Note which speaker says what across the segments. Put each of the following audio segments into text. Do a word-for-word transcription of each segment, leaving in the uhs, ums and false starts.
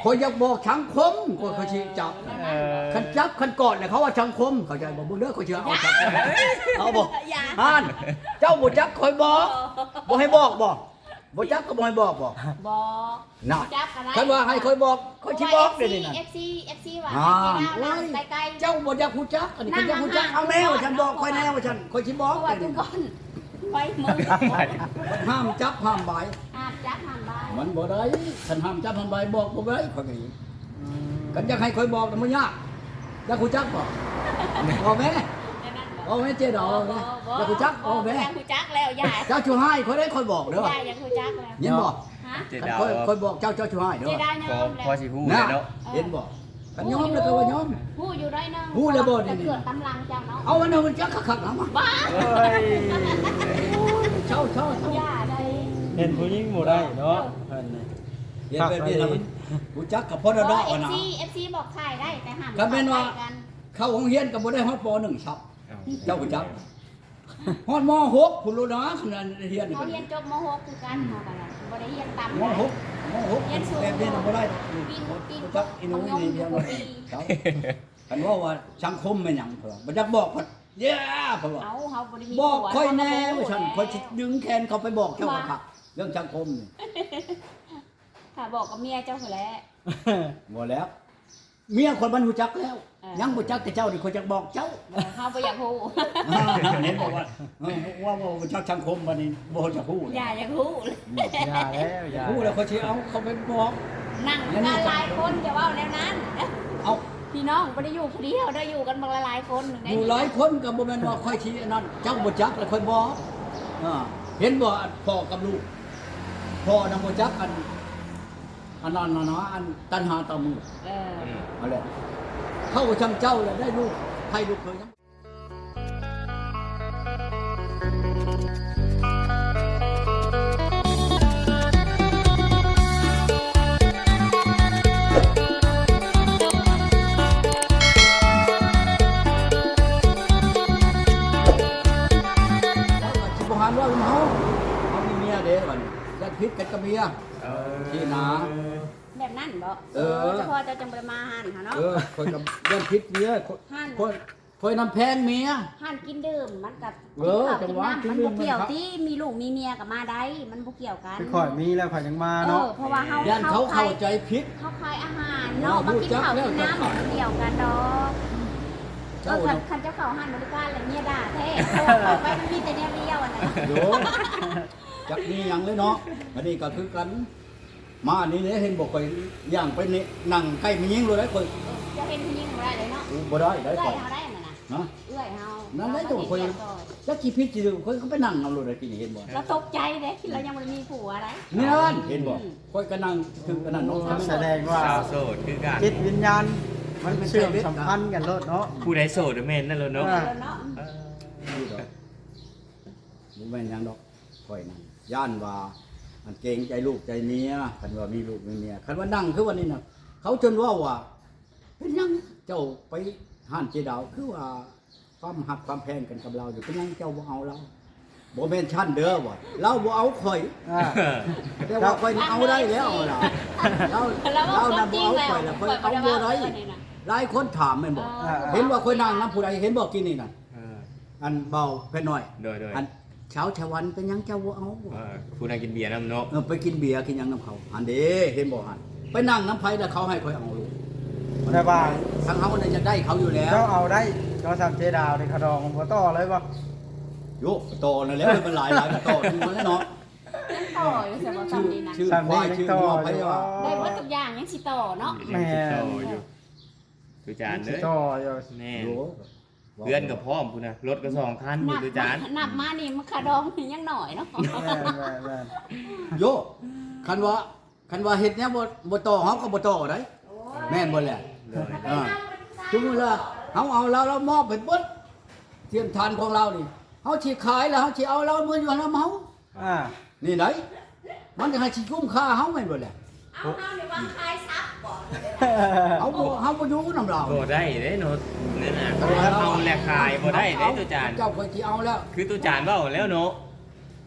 Speaker 1: คอยอยากบอกสังคมคอยเขาชี้จับคันจับคันกอดเนี่ยเขาว่าสังคมเขาใจบอกมึงเด้อเขาเชื่อเอาสังคมเอาบอกฮานเจ้าบ่จักคอยบอกบ่ให้บอกบอกบ่จักก็บ่ให้บอกบอก
Speaker 2: บอก
Speaker 1: น่ะ
Speaker 2: จับอะไร
Speaker 1: คันว่าให้คอยบอกคอยสิบอกเดี๋ยวนี้น่ะ
Speaker 2: เอฟซีเอฟซีว่า
Speaker 1: อ่า
Speaker 2: ใกล้ๆ
Speaker 1: เจ้าบ่อยากฮู้จักอันนี้คันอยากฮู้จักเอาแนวฉันบอกคอยแนวฉันคอยสิบ
Speaker 2: เพ
Speaker 1: อก
Speaker 2: ราะว่า
Speaker 1: เดี๋ยว
Speaker 2: ทุก
Speaker 1: นี้
Speaker 2: คนไว้มือ
Speaker 1: ห้ามจับห้ามบาย
Speaker 2: อาบจับหันบ้าน
Speaker 1: มันบ่ได้คันห้ามจับห้ามบายบอกบ่ได้คอยก็อีกกันอยากให้คอยบอกน่ะมันยากอยากฮู้จักบ่บอกแม่บอกแม่เจ๊ดอกแม่อยากฮู้จักบอกแม่
Speaker 2: อยากฮู้จักแล้วยาย
Speaker 1: เจ้าชูให้คอยได้คอยบอกเด้อย
Speaker 2: ายอยากฮู้จักแล้ว
Speaker 1: เห็นบ่
Speaker 2: ฮะ
Speaker 3: เจ
Speaker 1: คัน
Speaker 3: ดาว
Speaker 1: คอยคอยบอกเจ้าเจ้าชูให้เด้
Speaker 2: เจ
Speaker 1: อ
Speaker 2: ได้ย
Speaker 3: พอ
Speaker 2: อม
Speaker 3: พอ
Speaker 2: แล้ว
Speaker 3: สิฮู้เลยเนาะ
Speaker 1: เห็นบ่กันยอมแล้วก็ว่ายอม
Speaker 2: ฮู้อยู่ได้เนาะ
Speaker 1: ฮู้แล้วบ่นี่
Speaker 2: จะเกิดตำลังเจ้าเนาะ
Speaker 1: เอาอันนั้นมันจักคักๆนะมา
Speaker 2: บ้า
Speaker 4: เฮ้ย
Speaker 1: เช่าเช่าเช่า
Speaker 2: ย่าได้
Speaker 4: เห็นผู้หญิงบ่ได้เนาะเพิ่นนี่
Speaker 1: เห็นแบบนี้แล้วมันกูจักกับพ่อดอก
Speaker 2: เอ
Speaker 1: อ่ะนะ
Speaker 2: ฟซีเอฟซีบอกขายได้แต่ห้าม
Speaker 1: ก็แม่นว่า
Speaker 2: ขยกัน
Speaker 1: เข้าโรงเรียนก็บ่ได้ฮอดป หนึ่งครับ เจ้ากูจักฮอดม หกคุณรู้นะขนาดเรียนนี่
Speaker 2: เขา
Speaker 1: ก็
Speaker 2: เรียนจบม .หก คือกันเฮากันล่ะบ่ได้เรียนต่ำ
Speaker 1: ม หกม หก
Speaker 2: เรียนสูง
Speaker 1: แบบนี้น่ะบ่ได้
Speaker 2: กินกิน
Speaker 1: กูจักอีหนูนี่เดียวเลยครับคันว่าว่าสังคมแม่นหยังเพิ่นบ่จักบอกเพิ่นเย้เพิ่นว่า
Speaker 2: เอาเฮาบ่ได้มี
Speaker 1: บอก
Speaker 2: ผัว
Speaker 1: ค่อยแน่
Speaker 2: เฮา
Speaker 1: ว่าฉัน
Speaker 2: บ่
Speaker 1: ค่อยสิดึงแขนเขาไปบอกเจ้าว่าคักเรื่องสังคมนี่
Speaker 2: ถ้าบอกกับเมียเจ้าพุ่นแหละ
Speaker 1: บ่แล้ว เมียคนมันรู้จักแล้ว
Speaker 2: เออ
Speaker 1: ยังบ่จักแต่เจ้านี่คนจักบอกเจ้า
Speaker 2: เออเฮาบ่อยากฮู้
Speaker 1: อ่าเห็นบอกว่าเออว่าว่าบ่จักสังคมบัดนี้บ่จักฮู้
Speaker 2: อย่าอยากฮู้
Speaker 4: อย่าแล้วอย่า
Speaker 1: ฮู้แล้วเขาสิเอาเขาไปบอก
Speaker 2: นั่งกันหลายคนอย่าเว้าแล้วนั้น
Speaker 1: เอา
Speaker 2: พี่น้องบ่ได้อยู่ผู้เดียวได้อยู่กันบักหลายๆคน
Speaker 1: อยู่หลายคนก็บ่แม่นว่าค่อยสิอันนั้นเจ้าบ่จักแล้วค่อยบอกอ่าเห็นบ่พ่อกับลูกพ่อนำบ่จักอันอันนั้นน่ะนะอันตัณหาต่อมือ
Speaker 2: เออ
Speaker 1: เอาแหละเข้าช่างเจ้าแล้วได้ลูกใครลูกเคยยังสิบหานว่าเมาเขามีเมียเด้บัดนี้ยัดพิษกันกับเมียที่นา
Speaker 2: แบบนั้นบ่
Speaker 1: เออ
Speaker 2: เฉพาะเจ้าจังบ่ได้มาหันหาเนาะ
Speaker 1: เออคนกับยัดพิษเมียคน
Speaker 2: หั่น
Speaker 1: คนคนน้ำแพงเมีย
Speaker 2: หันกินดื่มมันกับ
Speaker 1: เออ
Speaker 2: กินข้าว
Speaker 1: จั
Speaker 2: กิน
Speaker 1: งหวะ
Speaker 2: น้ำมันบ่เกี่ยว
Speaker 1: กินดื่ม
Speaker 2: ที่มีลูกมีเมียกับมาได้มันบ่เกี่ยวกัน
Speaker 4: คือข่อยมีแล้วข่อยยังมา
Speaker 2: เอ
Speaker 4: เนาะ
Speaker 2: อเพราะว่าเฮา
Speaker 1: ยันเขาเข้า
Speaker 2: ขย
Speaker 1: ใจผิด
Speaker 2: เขาขายอาหารเนาะ
Speaker 1: เออ
Speaker 2: มากินข้าว
Speaker 1: รู้
Speaker 2: กิน
Speaker 1: จักแล้ว
Speaker 2: น้ำมันเกี่ยวกันดอก
Speaker 1: เจ้า
Speaker 2: เออคั
Speaker 1: น่ะ
Speaker 2: นคันเจ้าเขาหันบริการแล้วเมียด่าแท้เพราะว่าไปมันมีแต่แนวเดียวอ่ะนะ
Speaker 1: โยจักนี่ยังเลยเนาะอันนี้ก็คือกัน มานี่เนี่ยเห็นบอกไปย่างไปนี่นั่งใกล้มียิงเลยได้คน
Speaker 2: จะเห็นผู้หญิงบ่ได้เลยเนาะ
Speaker 1: อู้บ่ได้ได้
Speaker 2: เอื้อ
Speaker 1: ก่อย น
Speaker 2: เฮาได้น่ะนะ
Speaker 1: นะ
Speaker 2: เอื้อยเฮา
Speaker 1: นั่นได้ตัวคน
Speaker 2: เา
Speaker 1: จักกี่พิษจีดูคนเขาไปนั่งเอาเลยได้กินเห็นบ่
Speaker 2: เราตกใจเด้เรายังบ่ได้มีผัวอะไร
Speaker 1: เนี่ยนั่นเห็นบ่ค่อยก็นั่งถึงกันนั่นเนาะ
Speaker 4: แสดงว่า
Speaker 3: สาวโสดคือกัน
Speaker 4: จิตวิญญาณมันเชื่อมสัมพันธ์กันโลดเนาะ
Speaker 3: ผู้ใดโสดแม่นนั่นเลยเนาะ
Speaker 4: อ่า
Speaker 2: แล้วเนาะ
Speaker 3: เออ
Speaker 1: นี่ดอกบ่แม่นหยังดอกค่อยนั่งย่านว่าอันเกรงใจลูกใจเมียคันว่ามีลูกมีเมียคันว่านั่งคือวันนี้น่ะเขาจนว่าว่าเป็นหยังเจ้าไปห้านเจดาวคือว่าความหักความแพงกันกับเราอยู่เป็นหยังเจ้าบ่เอาเราบ่แม่นชั้นเด้อว่ะเราบ่เอาข่อย
Speaker 4: อ่า
Speaker 1: แต่ว่าข่อยนี่เอาได้แล้วล่ะเรา
Speaker 2: แล้ว
Speaker 1: เรา
Speaker 2: ว่า
Speaker 1: น่ะ
Speaker 2: จ
Speaker 1: บ่
Speaker 2: ริง
Speaker 1: เอา
Speaker 2: แล้ว
Speaker 1: ข่อยล่ะข่อยเอาบ่ได้หลายคนถามแม่นบ่
Speaker 2: เออ
Speaker 1: เห็นว่าข่อยนั่งนํผู้ใดเห็นบ่กินนี่น่ะ
Speaker 3: เออ
Speaker 1: อันเบาเพิ่นน้อย
Speaker 3: โดยโดย
Speaker 1: อันเช้าชาวันเป็นหยังเจ้าบ่เอา
Speaker 3: เออผู้ใดกินเบียร์น้ำเนาะ
Speaker 1: เออไปกินเบียร์กินหยังน้ำเขาอันเด้เห็นบ่หันไปนั่งน้ำไผแล้วเขาให้ข่อยเอาลูก
Speaker 4: แต่ว่า
Speaker 1: ทางเฮาเนี่ยจะได้เขาอยู่แล้ว
Speaker 4: เจ้าเอาได้เจ้าทำเจดาวในขะดองบ่ต่อเลยบ่
Speaker 1: โยโตนั่นแหละมันหลายหลายก็โตถึงมันแล้วเนาะ
Speaker 2: ต่ออยู่สำหรับ
Speaker 1: ชื่อ
Speaker 2: คำนี้นะ
Speaker 1: ชื่อควายชื่องัวไผว่า
Speaker 2: ได้หมดทุกอย่างยังสิต่อเนาะ
Speaker 3: ยังสิโตอยู่ตุจานเด้
Speaker 4: สิ
Speaker 3: อ
Speaker 4: ต่ออยู่
Speaker 3: แน่
Speaker 1: โย
Speaker 3: เพื่อนกับพ่อมคุณนะรถก็สองคันอยู่ตุจาน
Speaker 2: นับมานี่มันขาดองยังหน่อยเนาะ
Speaker 4: แม่นแม่นแม่น
Speaker 1: โยคันว่าคันว่าเฮ็ดเนี้ยบ่บ่โตเฮาก็บ่โตได้แม่นบ่แหละ
Speaker 3: โดย
Speaker 1: อ่าถึงเวลาเฮาเอาเราเรามอบให้เบิดเทียมทานของเรานี่เฮาสิขายแล้วเฮาสิเอาเรามื้ออยู่นำเฮา
Speaker 4: อ่า
Speaker 1: นี่ไหนมันจะให้สิคุ้มค่าเฮาแม่นบ่แหละ
Speaker 2: เอาเฮานี่ว่าขายซับบ่
Speaker 1: เฮาบ่เฮาบ่อยู่นำเรา
Speaker 3: บ่ได้เด้เนาะนั่นน่ะเอาแลกขายบ่ได้เด้ตุจาน
Speaker 1: เจ้าเคยสิเอาแล้ว
Speaker 3: คือตุจานเว้าแล้วเนาะ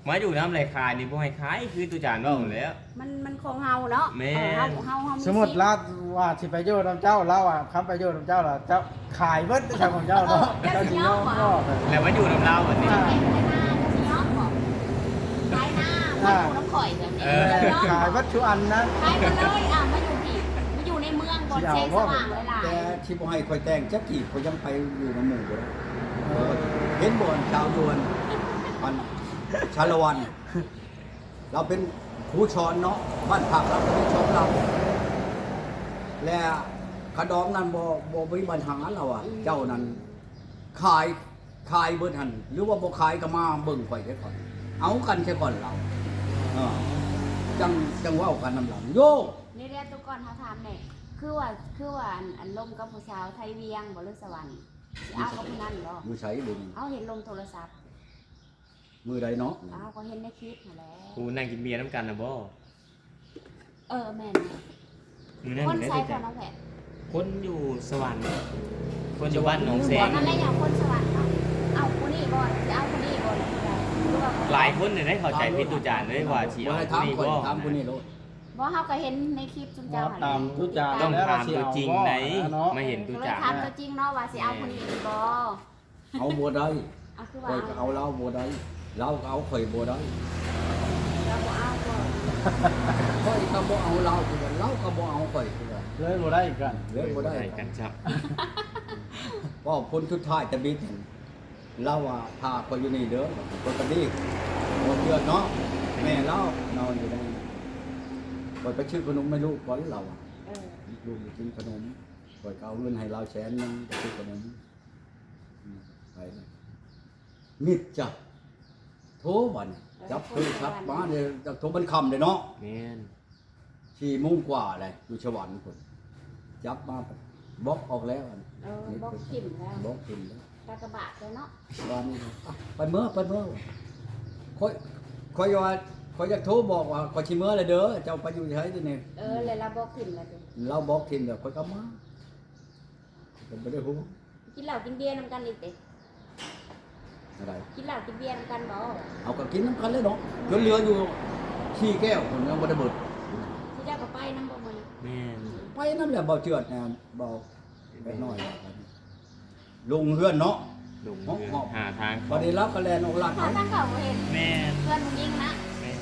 Speaker 3: มาอยู่น้ำไหลคายนี่บ่ให้ขายคือตุจานว่าหมดแล้ว
Speaker 2: มันมันของเฮาเนาะ
Speaker 3: แม่
Speaker 2: เออเฮาเฮาเฮา
Speaker 4: สมมุติลาว่าสิไปอยู่นำเจ้าเราอ่ะคำไปอยู่นำเจ้าล่ะเจ้าขายเบิดใช่ของเจ้าเนาะเจ้าสิยอมบ่
Speaker 3: แล้วมาอยู่น้ำเราแบบนี้
Speaker 2: เก็บไว้หน้าจะสิยอมบ่ขายหน้ามาอยู่น้ำข่อยแบบนี้
Speaker 3: เออ
Speaker 2: จะยอม
Speaker 4: ขายเบิดทุกอันนะ
Speaker 2: ขายมาเลยอ่ะมาอยู่ที่มาอยู่ในเมืองบนแสงสว่างหลาย
Speaker 1: แต่ที่บ่ให้คอยแต่งจักกี่เขายังไปอยู่ในหมู่บ่ได้เห็นบ่อนชาวยวนอันชาละวัน เราเป็นครูสอนเนาะบ้านพักเราเป็นชอนเราและขดอมนั้นบ่บ่มีปัญหาเราอ่ะ เจ้านั้นขายขายเบิดหันหรือว่าบ่ขายก็มาเบิ่งข่อยได้ก่อน เอากันใช่ก่อนเราเออจังจังเว้ากันนำหลังโย
Speaker 2: ๆนี่เรียกทุกคนเขาถามเนี่ยคือว่าคือว่าอันอันลมกับผู้สาวไทยเวียงบ่หรือสวรรค์สิเอากับผู้นั้นเหรอ
Speaker 1: มือใช้ดึง
Speaker 2: เอาเห็นลมโทรศัพท์
Speaker 1: มือใดเนาะ
Speaker 2: เอาก็เห็นในคลิปนั่นแหละ
Speaker 3: กูนั่งกินเบียร์น้ำกันนะบ่
Speaker 2: เออแม่น
Speaker 3: มือนั่ง
Speaker 2: คน
Speaker 3: ได้
Speaker 2: ใช้
Speaker 3: ตุ
Speaker 2: ค
Speaker 3: จาน น
Speaker 2: น้องแผล
Speaker 3: คนอยู่สวรรค์คนอยู่บ้านหนองแส
Speaker 2: บอง กนั่นแหละอย่างคนสวรรค์เอาเอาคนนี้บ่จะเอาคนนี้บ่หรือว่า
Speaker 3: หลายคนเนี่ยได้เข้าใจผิดตุจานเลยว่าสิ
Speaker 1: บ่
Speaker 3: เอา
Speaker 1: ให้
Speaker 3: คน
Speaker 1: ถาม
Speaker 3: นี้
Speaker 1: ข่อย
Speaker 3: บ่
Speaker 1: ถามคนนี้โลด
Speaker 2: บ่เฮาก็เห็นในคลิปจุนเจ้าหั่น
Speaker 4: ตามทุกจาน
Speaker 3: ต้อง
Speaker 4: แล้ว
Speaker 3: ถามตัวจริงไหน
Speaker 4: เนาะ
Speaker 3: มาเห็นตุ
Speaker 2: ก็เลย
Speaker 3: จาน
Speaker 2: ถามตัวจริงเนาะว่าสิเอาคนนี้บ่
Speaker 1: เอาบ่ได้
Speaker 2: เอาคือ
Speaker 1: ข่
Speaker 2: ว่า
Speaker 1: อยก็เอาเราบ่ได้เราก็เอาข่อยบ่ได้
Speaker 2: เราบ่เอาบ่
Speaker 1: ข่อยก็บ่เอาเราคือกันเราก็บ่เอาข่อยคือกัน
Speaker 4: เลยบ่ได้อีกกัน
Speaker 1: เลยบ่ได้
Speaker 3: กันครับ
Speaker 1: ก็ผลสุดท้ายจะบิดเราว่าพาข่อยอยู่นี่เด้อคนก็ดีบ่เชื่อเนาะแม่เรานอนอยู่ในนั้นข่อยไปชื่อขนมไม่รู้ก่อนเราอะ
Speaker 2: เออ
Speaker 1: ลูกกินขนมข่อยก็เอาเงินให้เราแสนนึงไปซื้อขนมอืมไปเลยมิดจ้ะโทรบัดนจับโทรศัพท์มาเดี๋ยวจะโทรมันคำเลยเนาะ
Speaker 3: แม่น
Speaker 1: สี่โมงกว่าเลยอยู่สวรรค์คนจับมาบล็อกออกแล้วอัน
Speaker 2: เออบอกขิมแล้ว
Speaker 1: บล็อกกินแล้ว
Speaker 2: ตากระบะเลยเนาะ
Speaker 1: วันนี้อ่ะไปเมื่อไปเมื่อคอยคอยว่าคอยอยากโทรบอกว่าคอยชิเมื่อเลยเด้อเจ้าไปอยู่ใช้ที่นี่
Speaker 2: เออเลยเราบอกขิมแล้วดิ
Speaker 1: เราบล็อกทิมเดี๋ยวคอยก็มาผมไม่ได้พูด
Speaker 2: กินเหล้ากินเบียร์นำกันอีกติ
Speaker 1: อะไร
Speaker 2: กินเหล้ากินเบียร์นำกันบ่
Speaker 1: เอาก็กินน้ำกันเลยเนาะจนเหลืออยู่ขี้แก้วคนยังไม่ได้เบิด
Speaker 2: ที่เจ้าก็ไปนำบ่มื้อนี้
Speaker 3: แม่น
Speaker 1: ไปนั่นแหละเบาเจือดนะเบาไปน้อยลงเฮือนเนาะ
Speaker 3: ลงเรือหาทาง
Speaker 1: พอดีรับกระแลนออกหลัง
Speaker 2: ถ้าทางเก่าบ่เห็น
Speaker 3: แม่น
Speaker 2: เพื่อนผู้หญิงนะ
Speaker 3: แม่น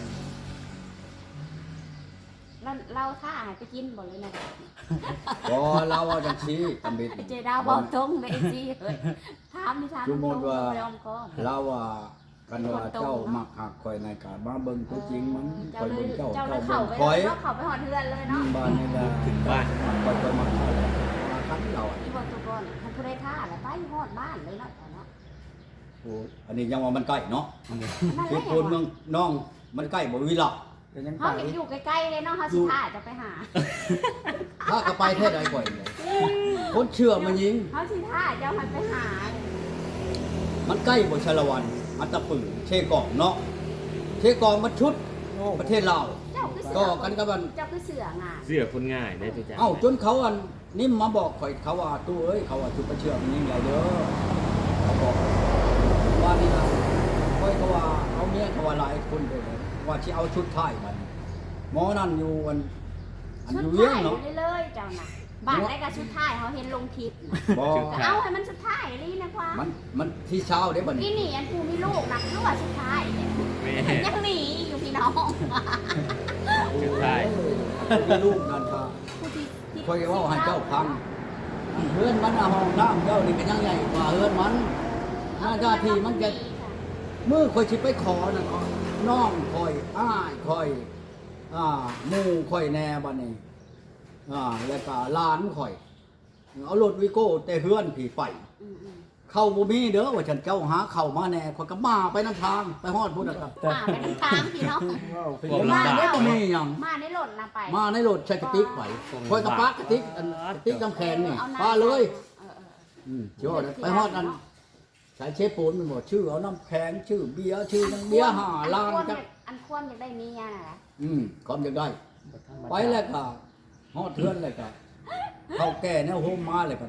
Speaker 2: เราเราท่าให้ไปกินบ่เลยนะ
Speaker 1: พอเราเอาจังชี้ตำบิด
Speaker 2: เจดาวบอกตรงเลยสิเฮ้ยถามนี่ถาม
Speaker 1: จุโมดว่า
Speaker 2: ยอมก่อน
Speaker 1: เราว่ากันว่าเจ้ามักหักคอยในกามาเบิ่งตัวจริงมันคอยเบิ่งเจ้า
Speaker 2: เจ้าเล
Speaker 1: เจ้าย เบิ่
Speaker 2: เข้าง ไป
Speaker 1: คอย
Speaker 2: เนาะเข้าไปหอดเทือนเลยเนาะ
Speaker 1: บ้านนี่แหละ
Speaker 3: ถึงบ้าน
Speaker 1: คอยคอยมาขายมาคันเราอ่ะ
Speaker 2: ที่บอกตัวก่อนมันผู้ใดท่าแล้วไปหอดบ้านเลยเนาะแต่เนาะ
Speaker 1: โอ้อันนี้ยังว่ามันใกล้เนาะ
Speaker 2: นั่นแห
Speaker 1: เข
Speaker 2: ละ
Speaker 1: ตโพนเมืองน้องมันใกล้บ่วิละ
Speaker 4: เป็นยัง
Speaker 2: เขา
Speaker 4: ไง
Speaker 2: เห็นอยู่ใกล้ๆเลยเนาะเขาสิท่าจะไปหา
Speaker 1: ถ้าก็ไปแท้ใดก่อยเลยคนเชื่อมันยิง
Speaker 2: เขาสิท่าจะให้ไปหา
Speaker 1: มันใกล้บ่ชาละวันอัตตปือเชกองเนาะเชกองมันชุดประเทศลาว
Speaker 2: เจ้าคือเสื
Speaker 1: ก็
Speaker 2: อ
Speaker 1: กันกับมัน
Speaker 2: เจ้าคือเสืองาน
Speaker 3: เสื้อคนง่ายได้ตุจาน
Speaker 1: เอ้าจนเขาอันนี่มาบอกข่อยเขาว่าตู้เอ้ยเขาว่าชุดประเชื่อมันยิงใหญ่เด้อเขาบอกว่านี่นะข่อยเขาว่าเอาเมียเขาว่าหลายคนเลยว่าที่เอาชุดไทยมันหมอนั่นอยู่อันอัน
Speaker 2: ชุ
Speaker 1: อ
Speaker 2: ด
Speaker 1: ยู่เวียง
Speaker 2: ท้าย
Speaker 1: เนาะ
Speaker 2: เลยๆเจ้าน่ะบ้านได้กับชุดท้ายเขาเห็นลงคลิปน่ะ
Speaker 1: บ่
Speaker 2: ก็เอาให้มันชุดท้ายนี่นะควา
Speaker 1: มันมันที่เช้าเด้บัด
Speaker 2: ที่
Speaker 1: นี้
Speaker 2: นี่อันกูมีลูกนะคือว่าชุดท้ายเนี่ย
Speaker 3: แม่
Speaker 2: ยังหนีอยู่พี่น้อง
Speaker 3: สุดท้าย
Speaker 1: มีลูกนั่นค่ะ
Speaker 2: ผู้ที่ที่
Speaker 1: ข่อยเว้าให้เจ้าฟังเฮือนมันอะห้องน้ำเจ้านี่ก็ยังใหญ่กว่าเฮือนมันหน้าหน้าที่มันจะมือข่อยสิไปขอนั่นน้องข่อยอ้ายข่อยอ่าหมู่ข่อยแน่บัดนี้อ่าแล้วก็หลานข่อย เอารถวิโก้แต่เฮือนผีไป
Speaker 2: อืมอืม
Speaker 1: เข้าบ่มีเด้อว่าฉันเจ้าหาเข้ามาแน่ข่อยก็มาไปนำทางไปฮอดพุ่นน่ะครับ
Speaker 2: มาไปทางกลางพี่น้อง
Speaker 4: ว้าวเป็น
Speaker 1: ผ
Speaker 4: ยั
Speaker 1: ม
Speaker 4: งไง
Speaker 1: มาได้บ่มีหยัง
Speaker 2: มาในรถนะไป
Speaker 1: มาในรถใช้กระติกไปข่อยก็ปักกระติกอันกระติกน้ำแข็งนี่
Speaker 2: อาำ
Speaker 1: ปาเลย
Speaker 2: เออเออ
Speaker 1: อืมชื่อว่าอะไรไปฮอดนั้นสายเชฟปูนมันบอกชื่อเอาน้ำแข็งชื่อเบียร์ชื่อนังเบียร์ห้าล้าน
Speaker 2: อันควร
Speaker 1: จัก
Speaker 2: อันควรอยากได้เมียน่ะนะ
Speaker 1: อืมความอยากได้ ไปแล้วก็ฮอดเทือนเลยก็เข้าแก่แนวโฮมมาเลยก็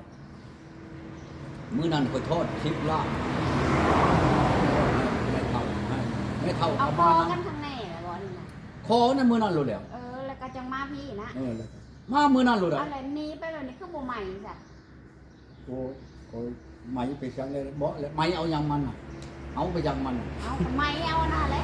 Speaker 1: มื้อนั้นก็ทอดคลิปลาบให้เขาให้ไม่เท่า
Speaker 2: เอา
Speaker 1: เอา
Speaker 2: คอ
Speaker 1: มา
Speaker 2: กันข้างในแหละบ่นี่นะ
Speaker 1: คอนั่นมื้อนั้นรู้แล้ว
Speaker 2: เออแล้วก็จังมาพี่นะ
Speaker 1: เออแล้วมามื้อนั้นรู้แล้ว
Speaker 2: อะไรหนี้ไปแบบนี้คือบ่ใหม่จ้ะ
Speaker 1: โอ้โอ้ไหมไปจังเลยบ่เลยไหมเอายังมันน่ะเอาไปยังมันน่ะ
Speaker 2: เอาทำไมเอาอันนั้นแหละ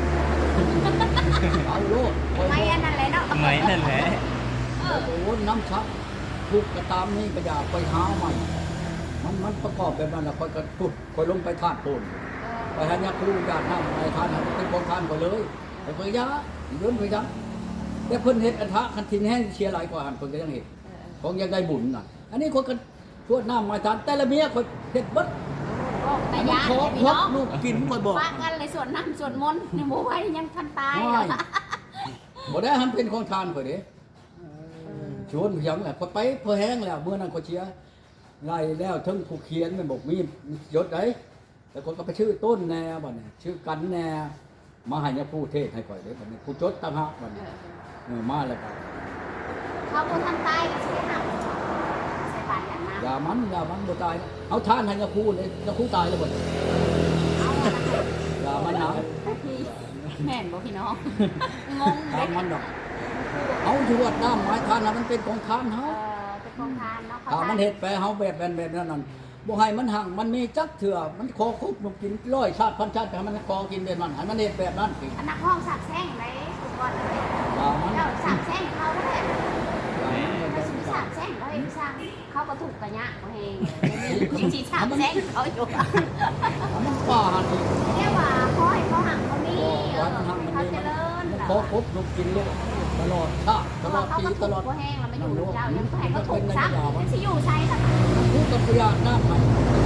Speaker 1: เอาโลด
Speaker 2: ทำไมอันนั้นแหละเนาะ
Speaker 3: ไหมนั่นแหละ
Speaker 2: เออ
Speaker 1: โอ้น้ำชักทุกกระตามนี่ก็อย่าไปหาใหม่มันมันประกอบแบบนั้นแล้วค่อยก็ตุดค่อยลงไปทาดโพนไปหาญาครูญาติน้ำไปทานเป็นของทานก็เลยแต่เพิ่นยาเดินไปจังแต่เพิ่นเฮ็ดอันทะคันทินแห้งเชียร์หลายกว่าหันเพิ่นก็ยังเฮ็ดของยังได้บุญน่ะอันนี้คนก็ชวดน้ำมาทานแต่ละเมียคนเฮ็ดเบิด
Speaker 2: บอกแต่
Speaker 1: อันนี้
Speaker 2: ยา
Speaker 1: ขอ
Speaker 2: พี่
Speaker 1: ครบ
Speaker 2: น้อง
Speaker 1: ลูกกินค่อยบอก
Speaker 2: ปะกันเลยส่วนน้ำส่วนมนต์ยังบ่ไหวยังทันตาย
Speaker 1: ไม่บ่ได้หันเป็นของทานข่อยเด้ชวนเพียงแหละข่อยไปเพื่อแห้งแล้วเมื่อนั้นข่อยเชียร์ไล่แล้วทั้งผู้เขียนมันบอกมียศไดแต่คนก็ไปชื่อต้นแน่บัดนี้ชื่อกันแน่มาให้เนี่ยผู้เทศให้ข่อยเด้บัดนี้ผู้จดต่างหากบัดนี้เออมาแล้วก็
Speaker 2: เขาบ่ทันตายก็สิได้นำใส่บาตรอย่างนั้น
Speaker 1: อย่ามันอย่ามันบ่ตายนะเอาทานให้เนี่ยผู้เลยเนี่ยผู้ตายแล้วบัดนี้
Speaker 2: เอาอันนั้น
Speaker 1: อย่ามันนะ
Speaker 2: พี่แม่นบ่พี่น้องงง
Speaker 1: ตา
Speaker 2: เด็
Speaker 1: ม
Speaker 2: ก
Speaker 1: มันดอกเอาอยู่วัดน้ำไม้ทานน่ะมันเป็นของทานเฮา
Speaker 2: เออเป็นโครงทานเนาะเขา
Speaker 1: ถ้ามันเฮ็ดไปเฮาแบบแบบแบบนั้นนั่นบ่ให้มันหังมันมีจักเถื่อมันขอคุบมันกินร้อยชาติพันชาติให้มันขอกินแบบนั้นให้มันเฮ็ดแบบนั้นสิ
Speaker 2: อันนักห้องสาบแช่งเลยทุกคนเลย
Speaker 1: อย่ามัน
Speaker 2: เจ้าสาบแช่งเขาแหละ
Speaker 1: อย่ามัน
Speaker 2: เขาสิสาบแช่งเขาเองสร้างเขาก็ถูกกระยะเขาเองจริงๆสาบแช่งเขาอยู่
Speaker 1: อย่ามันป่าหันอีก
Speaker 2: เรียกว่าเขาให้เขาหังเขามีเออเขาเจริญ
Speaker 1: มันขอคุบมันกินเลยตลอดชาติ
Speaker 2: เพ
Speaker 1: ต
Speaker 2: ราะ
Speaker 1: ลอ
Speaker 2: ว่า
Speaker 1: ด
Speaker 2: เขา
Speaker 1: ปี
Speaker 2: ก็
Speaker 1: ต
Speaker 2: ถูก
Speaker 1: ลอด
Speaker 2: เขาแห้งแล้วไม่อยู่เจ้ายังให้เขาถูกซักที่อยู่ใช้สัก
Speaker 1: ผู้กับพยาน้ำให้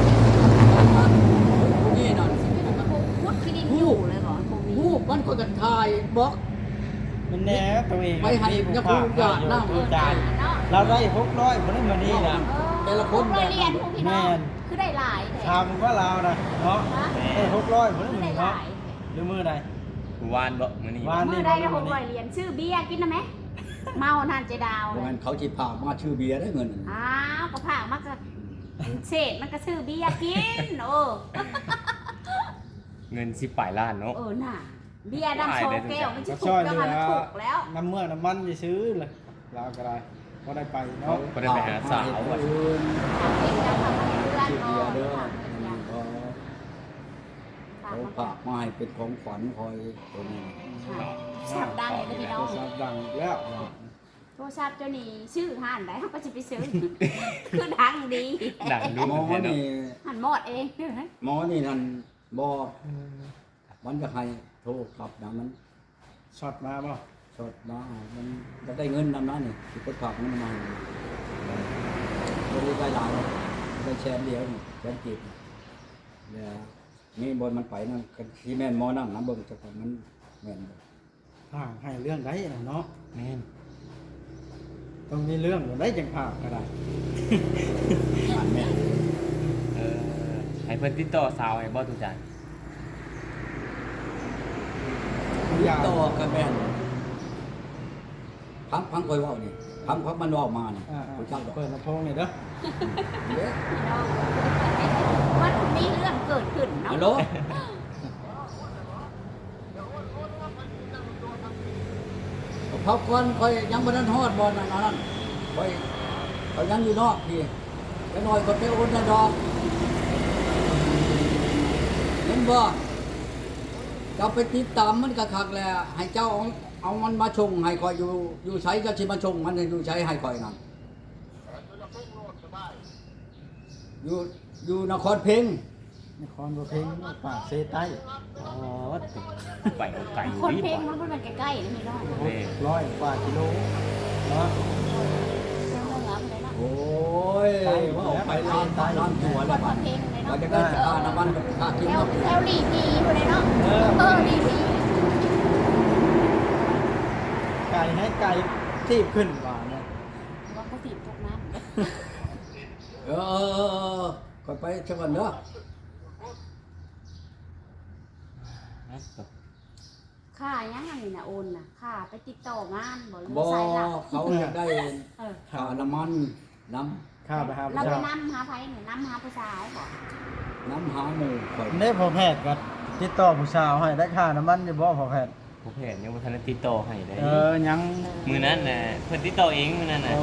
Speaker 1: นี่นั่น
Speaker 2: พุทธที่ดินอยู่เลยก่อน
Speaker 1: ผู้มันก็กันทายบล็อก
Speaker 4: มันแน่ตัวเอง
Speaker 1: ไปให้ยักษ์ผู้ญาติน้ำ
Speaker 4: ผู้จ่ายเราได้หกร้อยบ่ได้มานี่นะ
Speaker 1: แต่ละคน
Speaker 2: เรียนพวกพี่น้องคือได้หลาย
Speaker 4: ถามว่าเรานะเนาะได้หกร้อยบ่ได้
Speaker 2: คือ
Speaker 4: มื้
Speaker 2: ได้
Speaker 4: อ
Speaker 2: ห
Speaker 4: เนาะ
Speaker 2: ลาย
Speaker 4: หรือมื้อใด
Speaker 3: วานบ่มื้อนี้
Speaker 4: วาน
Speaker 2: เมื่อได้ได้หกร้อยเหรียญชื่อเบียร์กินนะไหมเมานานเจดาว
Speaker 1: เพราะงั้นเขาจิพามาชื่อเบียร์ได้เงิน
Speaker 2: อ้าวก็ผ่ามันก็เศษมันก็ชื่อเบียร์กินโอ้
Speaker 3: เงินสิบปลายล้านเนาะ
Speaker 2: เออน่ะเบียร์ดำโชว์แก้วมันจะ
Speaker 4: ก็
Speaker 2: ถู
Speaker 4: ช่
Speaker 2: ก
Speaker 4: วย
Speaker 2: แล้ว
Speaker 4: เหลื
Speaker 2: มัน
Speaker 4: อ
Speaker 2: ถูกแล้ว
Speaker 4: น้ำเมื่อน้ำมันจะซื้อเลยเราก็ได้ก็ได้ไปเนาะ
Speaker 3: บ่ได้ไปหาสาวว่ะ
Speaker 2: ทำเองแล้วทำให้เพื่อน
Speaker 1: ชื่อ
Speaker 2: เนา
Speaker 1: เบียร์เด้อะ
Speaker 2: ทำ
Speaker 1: เขาฝากมาให้เป็นของขวัญคอยตัวนี้
Speaker 2: ชับดังเลยพี่น้อง
Speaker 4: โทรศัพท์ดังแล้ว
Speaker 2: โทรศัพท์เจ้านี่ชื่อห่านได้เขาก็จะไปซื้อคือดังดี
Speaker 3: ดังดู
Speaker 1: หมอ
Speaker 3: แท้เนาะ
Speaker 1: นี่
Speaker 2: หันหมดเอง
Speaker 1: หมอนี่นั่นบอมันจะให้โทรกลับนะมัน
Speaker 4: ช็อตมาบ่
Speaker 1: สดมามันจะได้เงินนำนั้นนี่ที่คนฝากมันมาบริได้หลายได้แชร์เดียวนี่แชร์จีบเนี่ยนี่บนมันไปนั่นที่แม่นหมอนั่นนะเบิ่งจักว่ามันแม่นบ่
Speaker 4: ห่างให้เรื่องได้นะเนาะ
Speaker 3: แม่น
Speaker 4: ต้องมีเรื่องได้จังผ่าก็ได้
Speaker 1: อ่านแม่น
Speaker 3: เออให้เพิ่นติดต่อสาวให้บ่ทุกจาน
Speaker 4: อย่า
Speaker 1: ต่อกับแม่นพังพังคอยเว่านี่พังพังมันเว่ามานี่
Speaker 4: อ่า
Speaker 1: ผู้เจ้าดอก
Speaker 4: เปิดลำโพงนี่เด้อ
Speaker 1: เด้อ
Speaker 2: พี่น้องมันมีเรื่องเกิดขึ้นเนาะ
Speaker 1: ฮัลโหลพักก่อนคอยยังบ่ทันฮอดบ่นั่นนั่นคอยเขายังอยู่นอกพี่แล้วน้อยก็ไปโอนได้ดอกเห็นบ่เจ้าไปติดตามมันก็คักแหละให้เจ้าเอาเอามันมาชงให้คอยอยู่อยู่ใช้เจ้าสิมาชงมันอยู่ใช้ให้คอยนั่นอยู่อยู่นครเพ็ง
Speaker 4: นครบัวเพลงปากเซใต้
Speaker 3: อ๋อไปเอาไก่
Speaker 2: คน
Speaker 3: ดี
Speaker 2: เพลง
Speaker 3: ก
Speaker 2: มั
Speaker 3: ว่าน
Speaker 2: เป็นใกล้ๆนะพี่น้อง
Speaker 3: เด้
Speaker 4: ร้อยกว่ากิโลเนาะ
Speaker 2: เจ้าเมืองอะไรเนาะ
Speaker 1: โอ้ยว่าออกไปล้านตายล้านตัว
Speaker 2: ค
Speaker 1: แล้ว
Speaker 2: น
Speaker 1: บัด
Speaker 2: เพลงเลย
Speaker 1: เรา
Speaker 2: เนาะ
Speaker 1: จะได้ค่าน้ำมันกับค่ากิน
Speaker 2: แถว
Speaker 1: กับ
Speaker 2: แถวลีพีคนเลยเนาะเออลีพี
Speaker 4: ไก่ให้ไก่ทีบขึ้นว่าเนี่ย
Speaker 2: ว่าเขาถีบทุกน้ำ
Speaker 1: เออเออเออคอยไปเช่วันเด้อ
Speaker 2: ค่ายังไงนะโอนน่ะค่าไปติดต่องานบ่หรือ
Speaker 1: บ่
Speaker 2: ใส่หลัก
Speaker 1: เขาอยากได้
Speaker 2: เออ
Speaker 1: ค่าน้ำมันน้
Speaker 4: ข้าไปหา
Speaker 2: เรา
Speaker 4: ผู้
Speaker 2: ไป
Speaker 4: ชาย
Speaker 2: นำหาไผเนี่ยนำหาผู้สาวบ่
Speaker 1: ำน้ำหาหมูคอย
Speaker 4: ได้พอแพทย์กัน
Speaker 1: พ
Speaker 4: ติดต่อผู้สาวให้ได้ค่าน้ำมันอยู่บ่พอแพทย์
Speaker 3: ผู้แผนยังบ่ทันได้ติดต่อให้ได้
Speaker 4: เออยัง
Speaker 3: มื้อนั้นน่ะเพิ่นติดต่อเองมื้อนั้นน่ะ
Speaker 4: โอ้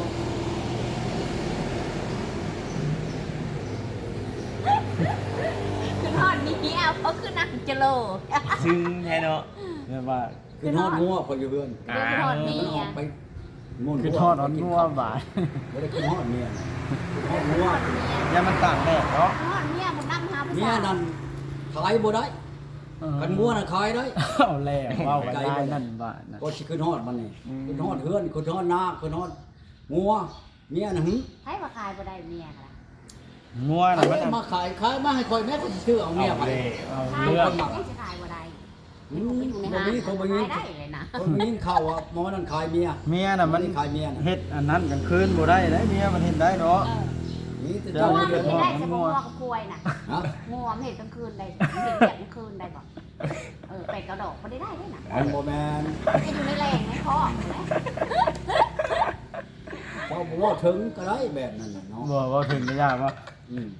Speaker 2: คือทอดนี้เอาเพราะคือนักจะโล
Speaker 3: ซึ่งแท้เนาะ
Speaker 4: เรียกว่า
Speaker 1: คือทอดงัวคอยอยู่เพื่อน
Speaker 2: เรื่องทอดนี้
Speaker 1: มันออก
Speaker 2: อ่ะ
Speaker 1: ไปมุ่น
Speaker 4: คือทอดอ่อนงัวบาด
Speaker 1: ไม่ได้คือทอดเมียคือทอดงัว
Speaker 4: อย่ามันต่างแดดเนาะ
Speaker 2: ทอดเนี่ยมันน้ำหาผู้
Speaker 1: เมีย
Speaker 2: สาว
Speaker 1: นั่นขายบ่ได้กันงัวน่ะขายได้
Speaker 4: เอาแล้วเว้ากันได้นั่นบาดนะ
Speaker 1: ก็สิคือทอดมันนี่
Speaker 4: อืม
Speaker 1: คือทอดเฮือนคือทอดนาคือทอดงัวเมียน่ะหึ
Speaker 2: ให้มาขายบ่ได้เมียค่ะ
Speaker 4: งัว
Speaker 1: เอา
Speaker 4: น่ะมัน
Speaker 1: มาขายขายมาให้คอยแม่ก็สิซื้อเอาเมียไป
Speaker 4: เอา
Speaker 2: ขาย
Speaker 4: เรื่อง
Speaker 2: ยังจะขายบ่ได้
Speaker 1: อื
Speaker 2: ผม
Speaker 1: ม
Speaker 2: ไปอยู่ใน
Speaker 1: บ่
Speaker 2: ห้าง
Speaker 1: มีเขาบ่มี
Speaker 2: ขายได้เลยนะ
Speaker 1: คนมีข่าวว่าหมอนั่นขายเมีย
Speaker 4: เมียน่ะมัน
Speaker 1: ขายเมียน่ะ
Speaker 4: เฮ็ดอันนั้นกลางคืนบ่ได้นะเมียมันเฮ็ดได้เนาะ
Speaker 2: เออ
Speaker 1: นี่แต่
Speaker 2: เพ
Speaker 1: เจ้า
Speaker 2: ราะว่า
Speaker 1: นี่
Speaker 2: มัน
Speaker 1: เดือด
Speaker 2: เห็
Speaker 1: ร้
Speaker 2: น
Speaker 1: อน
Speaker 2: ได้เฉพาะงัวกับควายน่ะ
Speaker 1: ฮะ
Speaker 2: งัวมันเห็นกลางคืนได้มันเห็นแบบกลางคืนได้ก่อนเออเป็ดกระดอกบ่ได้ได้ด้วยน่ะ
Speaker 1: มันบ่แม่น
Speaker 2: ให้อยู่ในแรงในคอกนะ
Speaker 1: พอบ่ว่าถึงก็ได้แบบนั้นน่ะเนาะ
Speaker 4: บ่บ่ถึงก็ยากว่า
Speaker 1: อืม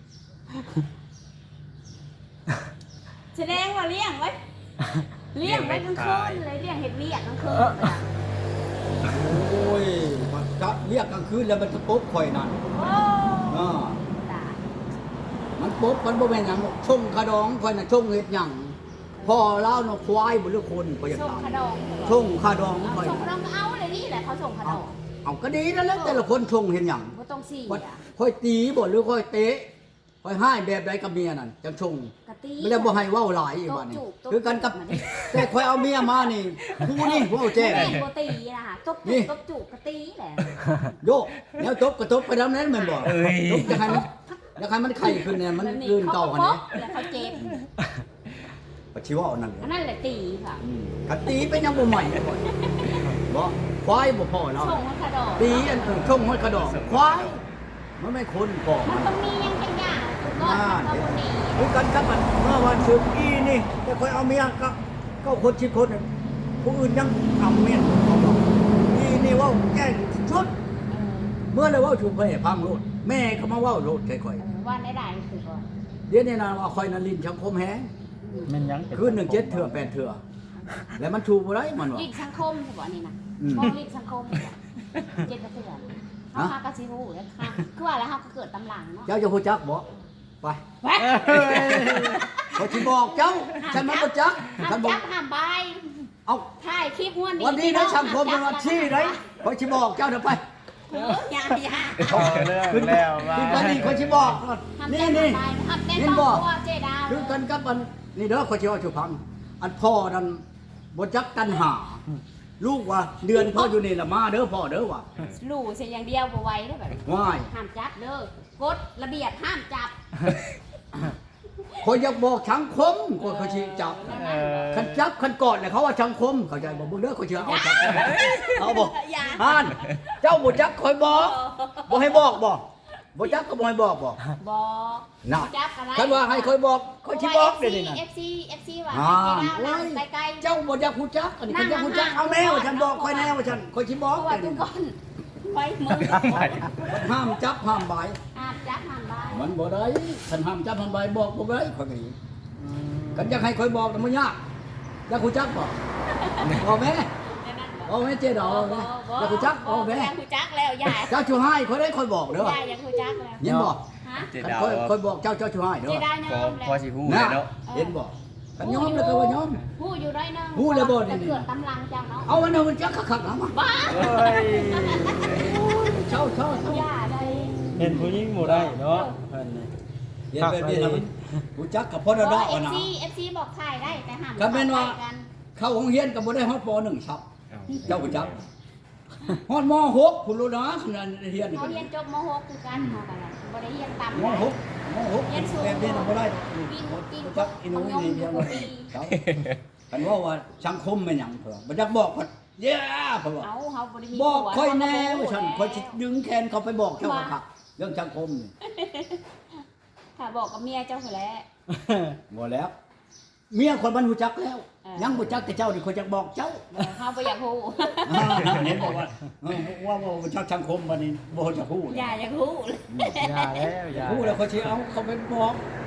Speaker 2: แสดงว่าเลี้ยงไว้เลี้ยงไว้กลางคืนเลยเลี้ยงเห็ดเวียกกลางคืนเลยอะ
Speaker 1: โอ้ยมันจะเรียกกลางคืนแล้วมันจะปุ๊บข่อยนั่น
Speaker 2: โอ้
Speaker 1: อ่า
Speaker 2: ตาย
Speaker 1: มันปุ๊บมันบ่แม่นหยังหรอกชงขะดองข่อยน่ะชงเฮ็ดหยังพ่อเล่าเนาะควายบ่หรือคนข่อยอยาก
Speaker 2: ส่ง
Speaker 1: ถาม
Speaker 2: ขนม
Speaker 1: ชงขะดอง
Speaker 2: เอา
Speaker 1: ข่อย
Speaker 2: ส่งขนมก็เอาเลยนี่แหละเขาส่งขน
Speaker 1: เอา
Speaker 2: ม
Speaker 1: เอาก็ดีนั่นแหละแต่ละคนชงเฮ็ดหยัง
Speaker 2: ก็ต้องสี่
Speaker 1: ว่า
Speaker 2: อ่ะ
Speaker 1: ข่อยตีบ่หรือข่อยเตะข่อยให้แบบใดกับเมียนั่นจังชง
Speaker 2: กะตี
Speaker 1: ไม่ได้บ่ให้เว้าหลายอีกบัดนี้
Speaker 2: ตบจูบตบ
Speaker 1: คือกันกับ
Speaker 2: มันนี่
Speaker 1: แต่ข่อยเอาเมียมานี่ผู้นี่เว้าแจ้ง
Speaker 2: แม่งโบตีนะคะตบ
Speaker 1: นี่
Speaker 2: จูบตบจูบกะตีแหละ
Speaker 1: โยกแล้วจบก็จบไปแล้วนั้นแม่นบ่จบจะให้มันอยากให้มันไข่ขึ้นเนี่ยมันลื่นเก่าหั่น
Speaker 2: นี้
Speaker 1: นี่
Speaker 2: แล้วเขาเจ็บ
Speaker 1: ปัจฉิวเอานั่นเลย
Speaker 2: อันนั้นแหละตีค่ะ
Speaker 1: อืมกะตีไปยังบ่ใหม่ก่อนบ่ควายบ่พอแล้ว
Speaker 2: ส่งขนม
Speaker 1: ตีอันอื่นช่องห้อยกระดอกควายมันไม่คนก่อ
Speaker 2: มัน
Speaker 1: มัน
Speaker 2: ต้องมียังไงย่างก็มันก็บ่หนี
Speaker 1: คือกันกับมันเมื่อวันศุกร์อีนี่แต่คอยเอาเมียก็ก็คนชิบคนน่ะผู้อื่นยังเอาเมียเขาบอกอีนี่เว่าแจ้งชุด
Speaker 2: เออ
Speaker 1: เมื่อเลยเว่าชุดไปพังโลดแม่ก็มาเว่าโลดค่อย
Speaker 2: เออว่าได้ได้คือก่อน
Speaker 1: ๆเดี๋ยวนี้นะว่าคอยนันลินชังคมแฮง
Speaker 4: แม่นยัง
Speaker 1: คืนหนึ่งเจ็ดเถื่อแปดเถื่อแล้วมันชูบ่ได้มันว่า
Speaker 2: ลีกสังคมใช่ป่ะนี่นะ
Speaker 1: อืม
Speaker 2: มองลีกสังคมเจ็ดกระเทือนเขาพากระซิฮูแล้วค่ะคือว่าแล้วเขาก็เกิดตำหลังเนาะ
Speaker 1: เจ้าจะฮู้จักบ่ไป
Speaker 2: แวะ
Speaker 1: ขอยสิบอกเจ้าฉันมันบ่จัก
Speaker 2: ห้า
Speaker 1: ฉั
Speaker 2: ม
Speaker 1: นบอก
Speaker 2: จับห้ามใบ
Speaker 1: เอา
Speaker 2: ถ่ายคลิปม้วนดี
Speaker 1: วันนี้นะสังคมเป็นวันที่ไรคอยชิบอกเจ้าเดี๋ยวไป
Speaker 2: เอออย่าอย่า
Speaker 4: เอาเรื่องแล้วว่า
Speaker 1: คือกันนี่คอยชิบอก
Speaker 2: ห้าม
Speaker 1: นี่
Speaker 2: จับ
Speaker 1: นี่
Speaker 2: ห้ามใบห้ามแน่
Speaker 1: เห็น
Speaker 2: น
Speaker 1: บ่
Speaker 2: อนตัวเจดาว
Speaker 1: คือกันกับอันนี่เด้อคอยชิบอกชูพังอันพ่อนั่นบจักตันหา ลูกว่าเดือนพ่ออยู่นี่ละมาเด้อพ่อเด้อว่ะ
Speaker 2: หลู่เสียอย่างเดียวบ่ไหว้ได้แบบ
Speaker 1: ง่าย
Speaker 2: ห้ามจับเด้อกฎระเบียบห้ามจับ
Speaker 1: คอยอยากบอกชังคมคอยคอยชิจับ
Speaker 4: เออ
Speaker 1: คันจับคันกอดเนี่ยเขาว่าชังคมเข้าใจบ่เบิ่งเด้อคอยเชื่อเอาชังคมเอาบ่
Speaker 2: อย่า
Speaker 1: อ่านเจ้าบ่จักคอยบอกบ่ให้บอกบ่บ่จักก็บ่ให้บอกบ่
Speaker 2: บอก
Speaker 1: น่ะ
Speaker 2: จับอะไร
Speaker 1: คันว่าให้คอยบอกคอยชิบอกเดี๋ยวนี้น่ะ
Speaker 2: เอฟซีเอฟซีว่า
Speaker 1: อ่า
Speaker 2: เจดาวนั่งไกลๆ
Speaker 1: เจ้าบ่อยากฮู้จักอันนี้ก็อยากฮู้จักเอาแนวฉันบอกค่อยแนวฉันค่อยสิบ
Speaker 2: เพ
Speaker 1: อก
Speaker 2: ราะว่า
Speaker 1: เดี๋ยว
Speaker 2: ทุ
Speaker 1: นี้
Speaker 2: กคนไว้มือ
Speaker 1: ห้ามจับห้ามบาย
Speaker 2: ห้ามจับห้ามใบ
Speaker 1: มันบ่ได้ฉันห้ามจับห้ามบายบอกบ่ได้ค่อยก็อีกันอยากให้ค่อยบอกน่ะมันยากอยากฮู้จักบ่บอกแม่บอกแม่เจดอกแม่อยากฮู้จักบอกแม่
Speaker 2: อยากฮู้จักแล้วยาย
Speaker 1: เจ้าชูให้ค่อยได้ค่อยบอกเด้อย
Speaker 2: ายอยากฮู้จักแล้ว
Speaker 1: ยินบ่
Speaker 2: ฮะ
Speaker 3: เจ
Speaker 1: คัน
Speaker 3: ดาว
Speaker 1: ค่อยค่อยบอกเจ้าเจ้าชูให้เด้
Speaker 2: เจ
Speaker 1: อ
Speaker 2: ดาวย
Speaker 3: พอ
Speaker 2: อม
Speaker 3: พอ
Speaker 2: แล้ว
Speaker 3: สิฮู้เลยเนาะ
Speaker 1: เห็นบ่กันยอมแล้วก็ว่ายอม
Speaker 2: ฮู้อยู่ได้นึง
Speaker 1: ฮู้แล้วบ่นี่
Speaker 2: จะเกิดตำลังเจ้าเนาะ
Speaker 1: เอาอันนั้นมันจักคักๆนะมา
Speaker 2: บ้า
Speaker 4: เอ้ย
Speaker 1: เช่าเช่าเช่า
Speaker 2: อย่าได้
Speaker 4: เห็นผู้หญิงบ่ได้เนาะเพิ่นนี่
Speaker 1: เห็นแบบนี้นะมันฮู้จักกับพ่อดอก
Speaker 2: เอ
Speaker 1: อะ
Speaker 2: ฟ
Speaker 1: นะ
Speaker 2: ซีเอฟซีบอกถ่ายได้แต่ห้าม
Speaker 1: ก็เป็นว่า
Speaker 2: ถ่ยกัน
Speaker 1: เข้าโรงเรียนก็บ่ได้ฮอดป .หนึ่ง ครับ เจ้าผู้จักฮอดม หก คุณรู้นะขนาดเรียนนี่
Speaker 2: เขา
Speaker 1: ก็
Speaker 2: เรียนจบม .หก คือกันเขากันน่ะบ่ได้เรียนต่ำ
Speaker 1: ม หกม หก
Speaker 2: เรียนสูง
Speaker 1: แบบนี้น่ะบ่ได้
Speaker 2: กินกิน
Speaker 1: ผู้จักอีหนูนี่เดียวเลยครับกันว่าว่าสังคมเป็นหยังเพิ่นบ่จักบอกว่าเย้เพิ่นว่า
Speaker 2: เอาเขาบ่ได้มี
Speaker 1: บอก
Speaker 2: ผัว
Speaker 1: ค่อยแน่
Speaker 2: เขา
Speaker 1: ว่า
Speaker 2: ก็
Speaker 1: ฉัน
Speaker 2: บ่
Speaker 1: ค่อยสิ
Speaker 2: แล้ว
Speaker 1: ดึงแขนเขาไปบอกเจ้าว่าครับเรื่องสังคมนี่
Speaker 2: ถ้าบอกกับเมียเจ้าคือแหล้ว
Speaker 1: บ่แล้ว เมียคนมันรู้จักแล้ว
Speaker 2: เออ
Speaker 1: ยังบ่จักแต่เจ้านี่คนจักบอกเจ้า
Speaker 2: เขาบ่อยากฮู้
Speaker 1: อ่าเห็นบอกว่าเออว่าว่าบ่จักสังคมบัดนี้บ่จักฮู้
Speaker 2: อย่าอยากฮู้เลย
Speaker 4: อย่าแล้วอย่า
Speaker 1: ฮู้แล้วเขาสิเอาเขาไปบอก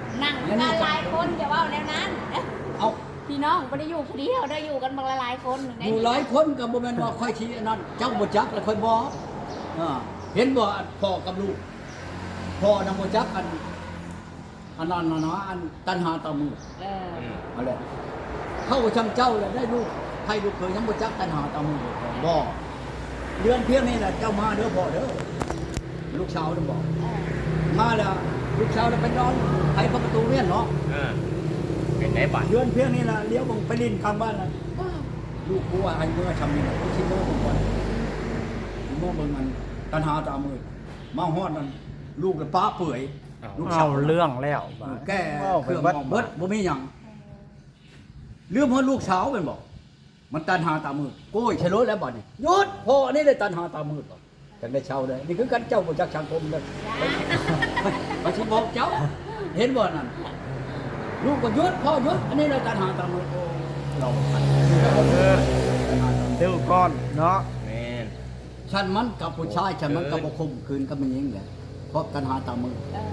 Speaker 2: นั่งกันหลายคนอย่าว่าแล้วนั้น
Speaker 1: เอา
Speaker 2: พี่น้องบ่ได้อยู่ผู้เดียวได้อยู่กันบักหลายคน
Speaker 1: อยู่หลายคนก็บ่แม่นว่าค่อยชี้อันนั้นเจ้าบ่จักแล้วค่อยบอกอ่าเห็นบ่พ่อกับลูกพ่อนำบ่จักอันอันนั้นน่ะนะอันตันหาตามือ
Speaker 2: เออ
Speaker 1: เอาแหละเข้าช่างเจ้าแล้วได้ลูกใครลูกเคยยังบ่จักตันหาตามือบ่เดือนเพียงนี้แหละเจ้ามาเด้อพ่อเด้อลูกสาวต้องบอก
Speaker 2: เออ
Speaker 1: มาแล้วลูกสาวแล้วไปนอนไขประตูเรียนเนาะ
Speaker 3: เออเป็นไงบัด
Speaker 1: เดือนเพียงนี้ล่ะเลี้ยวบังไปลินข้างบ้านน่ะลูกกูว่าให้เมื่อทำนี่น่ะกูคิดว่าบ่ก่อนเมื่อเบิ่งมันตันหาตามือมาฮอดนั่นลูกแล้วป้าเปื่อยลูกสา
Speaker 4: เอา
Speaker 1: ว
Speaker 4: เรื่องแล้ว
Speaker 1: แก้เครื่องมองเบิดบ่มีหยังเรื่องของลูกสาวเป็นบอกมันตันหาตามือโก้ยชะโลดแล้วบัดนี้หยุดพ่อนี่เลยตันหาตามือบ่จังได้เช่าเลยนี่คือกันเจ้าบ่จักสังคมเลยบ่สิบอกเจ้าเห็นบ่นั่นลูกก็หยุดพ่อหยุดอันนี้เลยตันหาตามือโอ้เราทัน
Speaker 4: เดี๋ยวก่อนเนาะ
Speaker 3: แม่น
Speaker 1: ฉันมันกับผู้ชายฉันมันกับบ่คมคืนกับมันยิงแหละเพราะตันหาตามือ
Speaker 2: เออ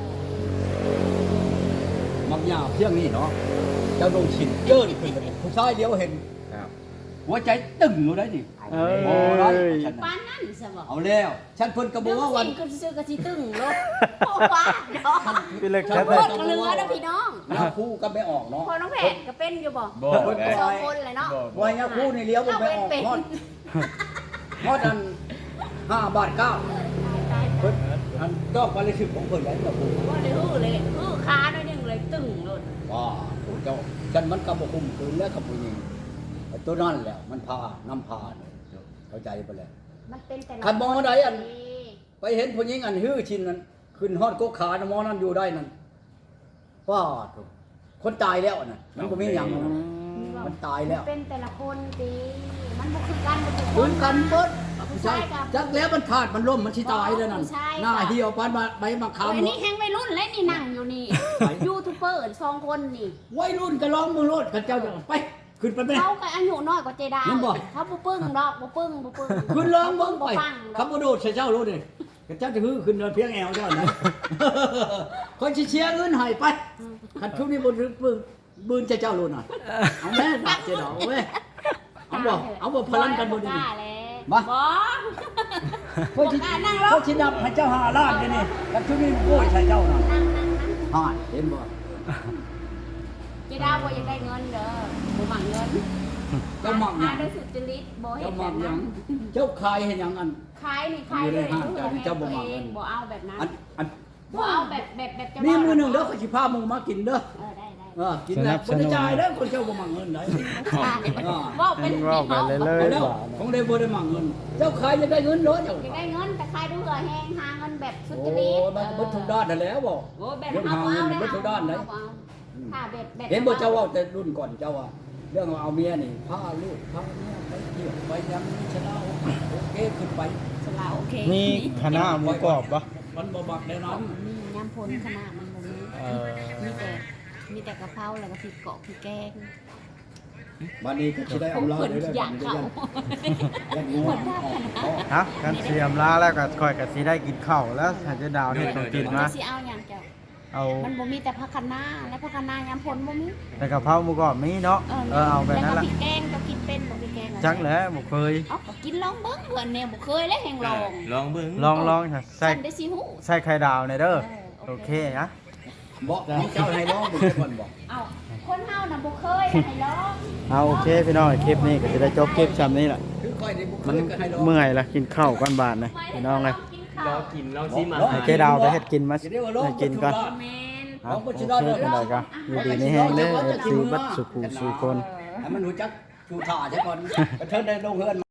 Speaker 1: มักยาเพียงนี้เนาะเจ้าลงฉินเจิ้นขึ้นเลยผู้ชายเดียวเห็น
Speaker 3: ครับ
Speaker 1: หัวใจตึงอยู่ได้ดิ
Speaker 4: เอ้ย
Speaker 1: โอ้ได้ฉัน
Speaker 2: ปา
Speaker 1: น่ะ
Speaker 2: นนั่นซะบ่
Speaker 1: เอาแล้ว ฉันเพิ่นก็บอกว่าวัน
Speaker 2: ก็ซื้อกะสิตึงรถโอ้ว่าเนาะ
Speaker 4: พี่เล็ก
Speaker 2: ทั้
Speaker 4: แค่
Speaker 2: งห
Speaker 4: ไห
Speaker 2: ม
Speaker 4: น
Speaker 2: ดก็เหลือนะพี่น้อง
Speaker 1: ยาคู่ก็ไม่ออกเนาะ
Speaker 2: พอน้องแผนก็เป็นอยู่บ่
Speaker 3: บ่
Speaker 1: เพิ่น
Speaker 3: ได้
Speaker 2: สองคนเลยเนาะ
Speaker 1: วายยาคู่นี่เลี้ยวบ่ไม่ออกฮอดฮอดอันห้าบาทเก้าเพิ่นอันดอกวันละสิบของเพิ่นได้กับผู้
Speaker 2: ว่าได้ฮู้เลยฮู้ค้าหน่อยหนึงเลยตึงรถ
Speaker 1: ว่าผู้เจ้าฉันมันก็บ่คุมคืนแล้วกับผู้หญิงไอ้ตัวนั้นแหละมันพานำพาเนี่ยเข้าใจไปแล้ว
Speaker 2: มันเป็นแต่ละ
Speaker 1: คันมองใดอัน ไปเห็นผู้หญิงอันฮื้อชินนั้นขึ้นฮอดกกขานะหมอนั้นอยู่ได้นั่นว้าถูกคนตายแล้วน่ะมันบ่มีหยังมันตายแล้ว
Speaker 2: มันเป็นแต่ละคนติมันบ่คือกันบ่ทุกค
Speaker 1: คุ
Speaker 2: น
Speaker 1: นกันเบิด
Speaker 2: ผู้ชายกับ
Speaker 1: จักแล้วมันขาดมันล่มมันสิตายแล้วนั่น
Speaker 2: ผู้ชายกับ
Speaker 1: หน้าเหี่ยวปานมาใบมะขาม
Speaker 2: โอ้ยนี่แฮงวัยรุ่นเลยนี่นั่งอยู่นี่ยูทูบเบอร์สองคนนี่
Speaker 1: วัยรุ่นก็ร้องมือโลดกันเจ้าจะไปขึ้นไปแม่
Speaker 2: เขาก็อายุน้อยกว่าเจดา
Speaker 1: เห็นบ่
Speaker 2: เขาบ่ปึ้งดอกบ่ปึ้งบ่ปึ้ง
Speaker 1: ขึ้นร้องเบิ่งไป
Speaker 2: บ่ฟังด
Speaker 1: ขั
Speaker 2: อบ ก
Speaker 1: บ่โดดใส่เจ้าโลดนี่กันเจ้าจะฮื้อขึ้นเดินเพียงแอวเจ้านะ คนสิเชียร์เงินให้ไปคันชุบนี้บ่ถึงปึ้งบืนใส่เจ้าโลดน่ะเอาแม่ฝากเจ้าดอกเว้ยเอาบ่เอาบ่พลันกันบ่ดี
Speaker 2: กล้าแล้ว
Speaker 1: มา
Speaker 2: บ่
Speaker 1: เพื่อที่
Speaker 2: บ่กล้านั่งลง
Speaker 1: เพื่อที่นับให้เจ้าหาล้านนี่นี่กันชุบนี้โอ้ยใส่เจ้าน่ะ
Speaker 2: นั่งนั่งนั่ง
Speaker 1: หายเห็นบ่
Speaker 2: เจดาบ่อยากได้เงินเด้อบ่หวังเงิน
Speaker 1: เจ้ามักหยัง
Speaker 2: หาด้วยสุจริตบ่เฮ็
Speaker 1: เจ้า
Speaker 2: ดแบ
Speaker 1: มัก
Speaker 2: บ
Speaker 1: หยั
Speaker 2: นั้
Speaker 1: ง
Speaker 2: น
Speaker 1: เจ้าขายเห็นหยังอัน
Speaker 2: ขายนี่ขาย
Speaker 1: อยู่ใน
Speaker 2: เลย
Speaker 1: ห้างการเจ้าบ่หวังเงิน
Speaker 2: บ่เอาแบบนั้น
Speaker 1: อันอัน
Speaker 2: บ่เอาแบบแบบแบบจะ
Speaker 1: มีมือหนึ่งเด้อเขาสิพามึงมากินเด้อ
Speaker 2: เออได้ได้
Speaker 1: เออกินแล้วบ่ได้จ่ายเด้อคนเจ้าบ่มักเงินได้
Speaker 2: ว่าเป็น
Speaker 4: เว้าไปเรื่อย
Speaker 1: เอาแล้วของได้บ่ได้มักเงิน เจ้าขายจะได้เงินเด้อเจ้า
Speaker 2: อยากได้เงินแต่ขายด้วยเหือแห้งหาเงินแบบสุ
Speaker 1: โอ้
Speaker 2: จริต
Speaker 1: มันก็เบิดทุกด้านนั่นแหล้วบ่
Speaker 2: โอ้แบบ
Speaker 1: เรื่อง
Speaker 2: เอา
Speaker 1: หา
Speaker 2: เอา
Speaker 1: เงิน
Speaker 2: ได้
Speaker 1: เบิดทุกด้านเลย
Speaker 2: เอาถ้าแบบแบบ
Speaker 1: เห็นบ่เจ้าเว้าแต่รุ่นก่อนเจ้าว่าเรื่องเอาเมียนี่พาลูกพาเมียไปเที่ยวไปยังมีชะลาโอเคขึ้นไป
Speaker 2: สลาโอเค
Speaker 4: มีคณะหมูกรอบปะ
Speaker 1: มันบ่มักแน่นอน
Speaker 2: มียำพลขนาดมันบ่มี
Speaker 4: เออ
Speaker 2: มีแต่มีแต่กะเพราแล้วก็พริกเกาะพริกแกง
Speaker 1: บัดนี้ก็สิได้
Speaker 2: ผม
Speaker 1: อำลา
Speaker 2: เพิ่น
Speaker 1: ได้ได้
Speaker 2: อยากเขา
Speaker 1: ยันงัวอ๋อ
Speaker 4: ฮะกันเสียมลาแล้วก็ค่อยก็สิได้กินข้าวแล้วถ้าจะดาวนี่ต้องกินมา
Speaker 2: สิเอาหยังเจ้า
Speaker 4: เอา
Speaker 2: มันบ่มีแต่ผักคะน้าและผักคะน้ายำพลบ่มี
Speaker 4: แต่กะเพราหมูกรอบมีเนาะเออเอาแบบนั้น
Speaker 2: แล้ว
Speaker 4: ละ
Speaker 2: ก็พริกแกงก็กินเป็นบ่พริกแกงอะ
Speaker 4: จักแหล้วบ่เคย
Speaker 2: เอ้าก็กินลองเบิ่งเพิ่นเนี่ยบ่เคยเลยแห่งลอง
Speaker 3: ลองเบิ่ง
Speaker 4: ลองลองค่ะใส่
Speaker 2: ฉันได้สิฮู้
Speaker 4: ใส่ไข่ดาวในอยเด้อ
Speaker 2: เออ
Speaker 4: โอเคนะ
Speaker 1: บอกเจ้าให้ร้องเป็นคนบอก
Speaker 2: เอ้าคนเฮาน่ะบ่เคยให้ลอง
Speaker 4: เอาโอเคพี่น้องคลิปนี้ก็จะได้จบคลิปซ้ำนี้ล่ะ
Speaker 1: คือค่อยในบุคค
Speaker 4: มัน
Speaker 1: ลก็ให้ร้อง
Speaker 4: เมื่อยละกินข้าวก่อนบาทนะพี่น้องเลย
Speaker 3: ลองกินลองซิมา
Speaker 4: ให้เจ๊ดาวไปเฮ็ดกินมาให้กินก่อน
Speaker 2: แม่น
Speaker 4: ครับโอเคเป็นไรกันอยู่ดีนี่แห้งเด้อเอฟซีบัดสุขูสุคน
Speaker 1: ให้มันรู้จักชูถ่าใช่ก่อนกระเทินได้ลงเฮือน